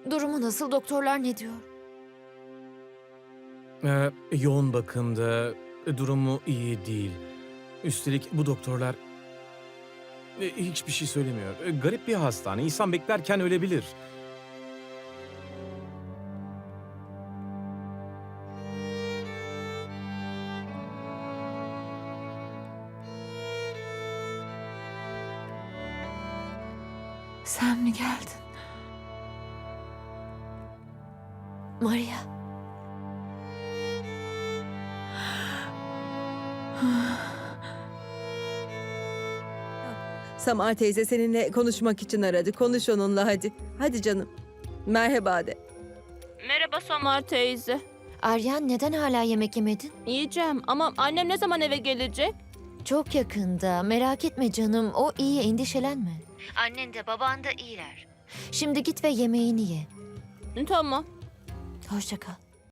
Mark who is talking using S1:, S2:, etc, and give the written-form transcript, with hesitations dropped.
S1: Durumu nasıl? Doktorlar ne diyor?
S2: Yoğun bakımda, durumu iyi değil. Üstelik bu doktorlar hiçbir şey söylemiyor. Garip bir hastane. İnsan beklerken ölebilir.
S1: Sen mi geldin? Maria.
S3: Samar teyze seninle konuşmak için aradı. Konuş onunla hadi. Hadi canım. Merhaba de.
S4: Merhaba Samar teyze.
S1: Aryan, neden hala yemek yemedin?
S4: Yiyeceğim ama annem ne zaman eve gelecek?
S1: Çok yakında. Merak etme canım. O iyi, endişelenme. Annen de baban da iyiler. Şimdi git ve yemeğini ye.
S4: Tamam.
S1: Hoşça kal.